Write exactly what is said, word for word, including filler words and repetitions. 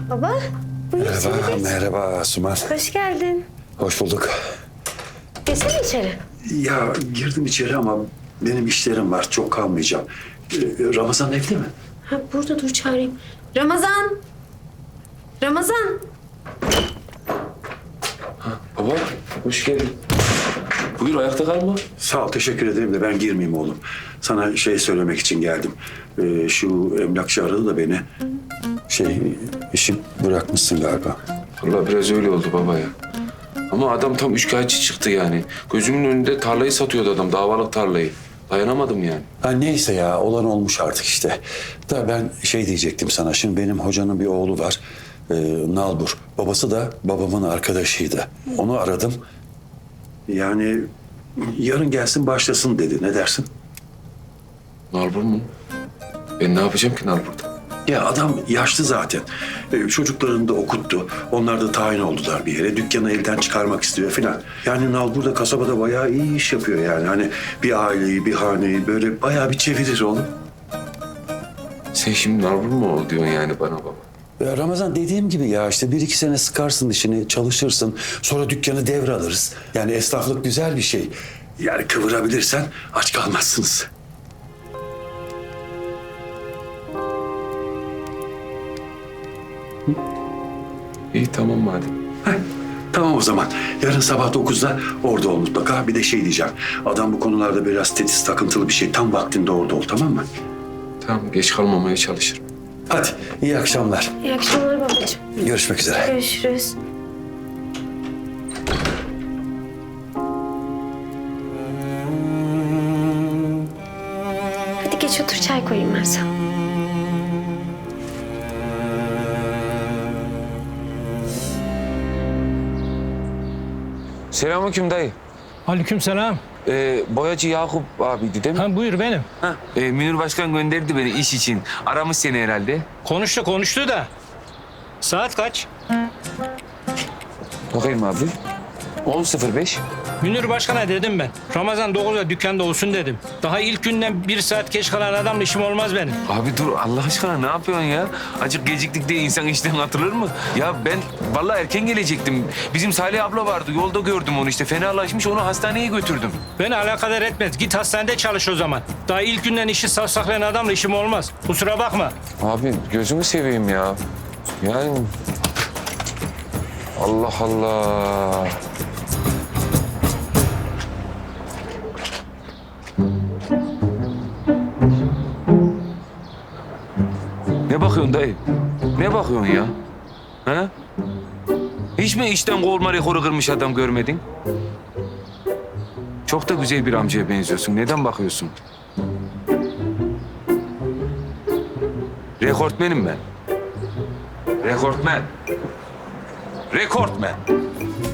Baba, buyur içeri Merhaba, geç. merhaba Asuman. Hoş geldin. Hoş bulduk. Geçsene içeri. Ya girdim içeri ama benim işlerim var. Çok kalmayacağım. Ee, Ramazan evde mi? Ha, burada dur çağırayım. Ramazan! Ramazan! Baba, hoş geldin. Buyur, ayakta kalma. Sağ ol, teşekkür ederim de ben girmeyeyim oğlum. Sana şey söylemek için geldim. Ee, şu emlakçı aradı da beni. Şey, işim bırakmışsın galiba. Vallahi biraz öyle oldu baba ya. Ama adam tam üçkağıtçı çıktı yani. Gözümün önünde tarlayı satıyordu adam, davalık tarlayı. Dayanamadım yani. Ha, neyse ya, olan olmuş artık işte. Da ben şey diyecektim sana. Şimdi benim hocanın bir oğlu var. Ee, Nalbur. Babası da babamın arkadaşıydı. Onu aradım. Yani yarın gelsin başlasın dedi. Ne dersin? Nalbur mu? Ben ne yapacağım ki Nalbur'da? Ya adam yaşlı zaten. Ee, çocuklarını da okuttu. Onlar da tayin oldular bir yere. Dükkanı elden çıkarmak istiyor filan. Yani Nalbur da kasabada bayağı iyi iş yapıyor yani. Hani bir aileyi, bir haneyi böyle bayağı bir çevirir oğlum. Sen şimdi Nalbur mu ol diyorsun yani bana baba? Ya Ramazan, dediğim gibi ya işte bir iki sene sıkarsın işini, çalışırsın. Sonra dükkanı devralırız. Yani esnaflık güzel bir şey. Yani kıvırabilirsen aç kalmazsınız. İyi tamam madem. Heh, tamam o zaman. Yarın sabah dokuzda orada ol mutlaka. Bir de şey diyeceğim. Adam bu konularda biraz tetiz, takıntılı bir şey. Tam vaktinde orada ol, tamam mı? Tamam, geç kalmamaya çalışırım. Hadi, iyi akşamlar. İyi akşamlar babacığım. Görüşmek üzere. Görüşürüz. Hadi geç otur, çay koyayım ben sana. Selamünaleyküm dayı. Aleykümselam. Ee, boyacı Yakup abiydi değil mi? Ha buyur benim. Ha, e, Münir Başkan gönderdi beni iş için. Aramış seni herhalde. Konuştu konuştu da. Saat kaç? Bakayım abi. on sıfır beş. Münir Başkan'a dedim ben. Ramazan dokuzda dükkanda olsun dedim. Daha ilk günden bir saat geç kalan adamla işim olmaz benim. Abi dur Allah aşkına ne yapıyorsun ya? Acık geciktik diye insan işten atılır mı? Ya ben vallahi erken gelecektim. Bizim Salih abla vardı. Yolda gördüm onu işte. Fenalaşmış, onu hastaneye götürdüm. Beni alakadar etmez. Git hastanede çalış o zaman. Daha ilk günden işi savsaklayan adamla işim olmaz. Kusura bakma. Abi gözümü seveyim ya. Yani Allah Allah. Ne bakıyorsun dayı? Ne bakıyorsun ya? Ha? Hiç mi işten kovulma rekoru kırmış adam görmedin? Çok da güzel bir amcaya benziyorsun. Neden bakıyorsun? Rekortmenim ben. Rekortmen. Rekortmen.